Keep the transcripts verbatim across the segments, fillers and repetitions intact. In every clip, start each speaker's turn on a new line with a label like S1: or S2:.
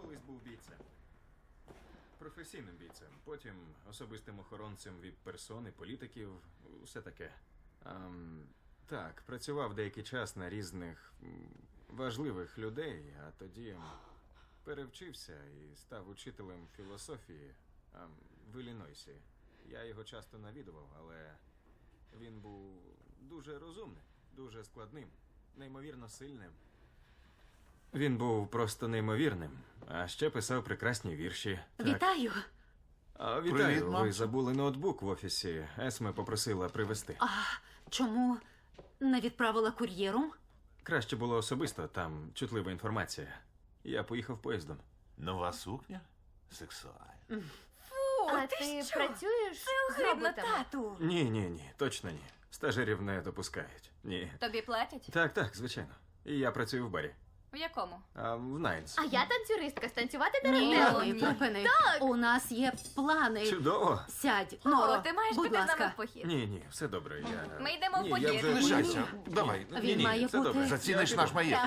S1: колись був бійцем. Професійним бійцем. Потім особистим охоронцем віп-персони, політиків, усе таке. Ем, так, працював деякий час на різних м, важливих людей, а тоді перевчився і став учителем філософії ем, в Іллінойсі. Я його часто навідував, але він був дуже розумним, дуже складним, неймовірно сильним. Він був просто неймовірним, а ще писав прекрасні вірші. Так.
S2: Вітаю.
S1: А, вітаю,
S3: Привіт,
S1: ви
S3: мамцю.
S1: забули ноутбук в офісі. Есме попросила привезти.
S2: А чому не відправила кур'єром?
S1: Краще було особисто, там чутлива інформація. Я поїхав поїздом.
S3: Нова сукня? Сексуальна.
S4: А ти, працюєш з
S2: Огидно,
S4: роботами?
S2: тату.
S1: Ні, ні, ні, точно ні. Стажерів не допускають. Ні.
S4: Тобі платять?
S1: Так, так, звичайно. І я працюю в барі.
S4: В якому?
S1: А в Найнс.
S4: А я танцюристка, станцювати
S2: Ні,
S4: дерев'яно.
S2: ні, припини. У нас є плани.
S1: Чудово.
S2: Сядь,
S4: О,
S2: Норо,
S4: ти маєш
S2: будь
S4: піти з нами
S2: ласка.
S4: в похід.
S1: Ні, ні, все добре. Я...
S4: Ми йдемо в
S1: Ні,
S4: похід.
S1: я вже...
S3: Лишайся. Давай.
S1: Ні,
S2: Він
S1: ні,
S2: має
S1: все
S2: бути-
S1: добре.
S3: Заціниш
S1: Я
S3: наш
S1: піду.
S3: маєток.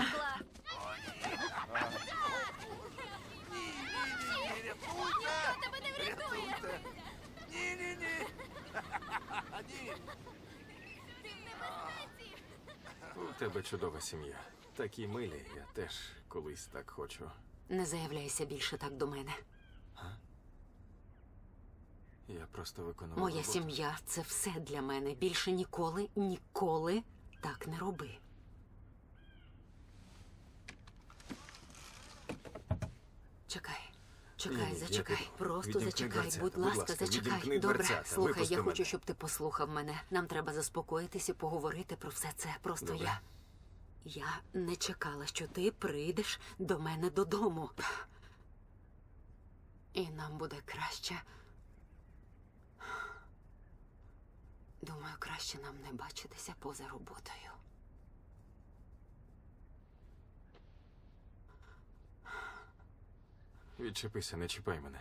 S4: Тебе не врятує.
S1: У тебе чудова сім'я. Такі милі, я теж колись так хочу.
S2: Не заявляйся більше так до мене.
S1: Я просто виконував
S2: Моя
S1: роботу.
S2: сім'я – це все для мене. Більше ніколи, ніколи так не роби. Чекай. Чекай,
S1: Ні, ні, я
S2: зачекай.
S1: піду.
S2: Просто
S1: Відімкни
S2: зачекай,
S1: дверцята,
S2: будь
S1: будь
S2: ласка,
S1: ласка,
S2: зачекай.
S1: відімкни
S2: Добре,
S1: дверцята,
S2: слухай,
S1: випусти
S2: я
S1: мене.
S2: хочу, щоб ти послухав мене. Нам треба заспокоїтися, поговорити про все це. Просто
S1: Добре.
S2: я. Я не чекала, що ти прийдеш до мене додому. І нам буде краще. Думаю, краще нам не бачитися поза роботою.
S1: Відчепися, не чіпай мене.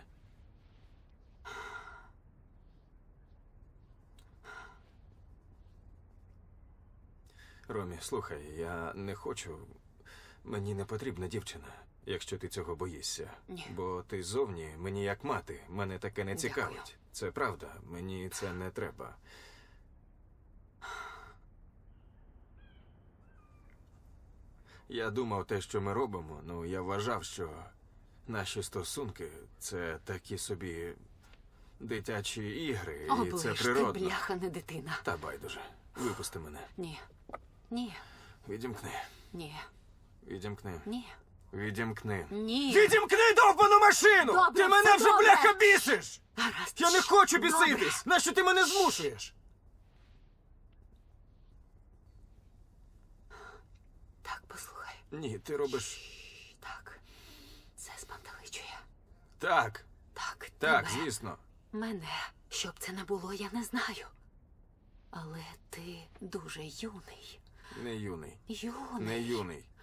S1: Ромі, слухай, я не хочу. Мені не потрібна дівчина, якщо ти цього боїшся.
S2: Ні.
S1: Бо ти зовні мені як мати. Мене таке не
S2: Дякую.
S1: цікавить. Це правда, мені це не треба. Я думав те, що ми робимо, ну я вважав, що наші стосунки це такі собі дитячі ігри, і
S2: Оближ,
S1: це
S2: ти
S1: природно.
S2: бляха не дитина.
S1: Та байдуже. Випусти мене.
S2: Ні. Ні.
S1: Відімкни.
S2: Ні.
S1: Відімкни.
S2: Ні.
S1: Відімкни.
S2: Ні.
S1: Відімкни довбану машину!
S2: Добре,
S1: ти мене
S2: все
S1: вже,
S2: добре.
S1: бляха, бісиш!
S2: Гаразд.
S1: Я не
S2: Шш,
S1: хочу
S2: добре.
S1: біситись! Нащо ти мене змушуєш?
S2: Так, послухай.
S1: Ні, ти робиш.
S2: Так. Це спантеличує.
S1: Так,
S2: Так,
S1: так,
S2: тебе.
S1: звісно.
S2: Мене, щоб це не було, я не знаю. Але ти дуже юний.
S1: Не юний.
S2: Юний.
S1: Не юний.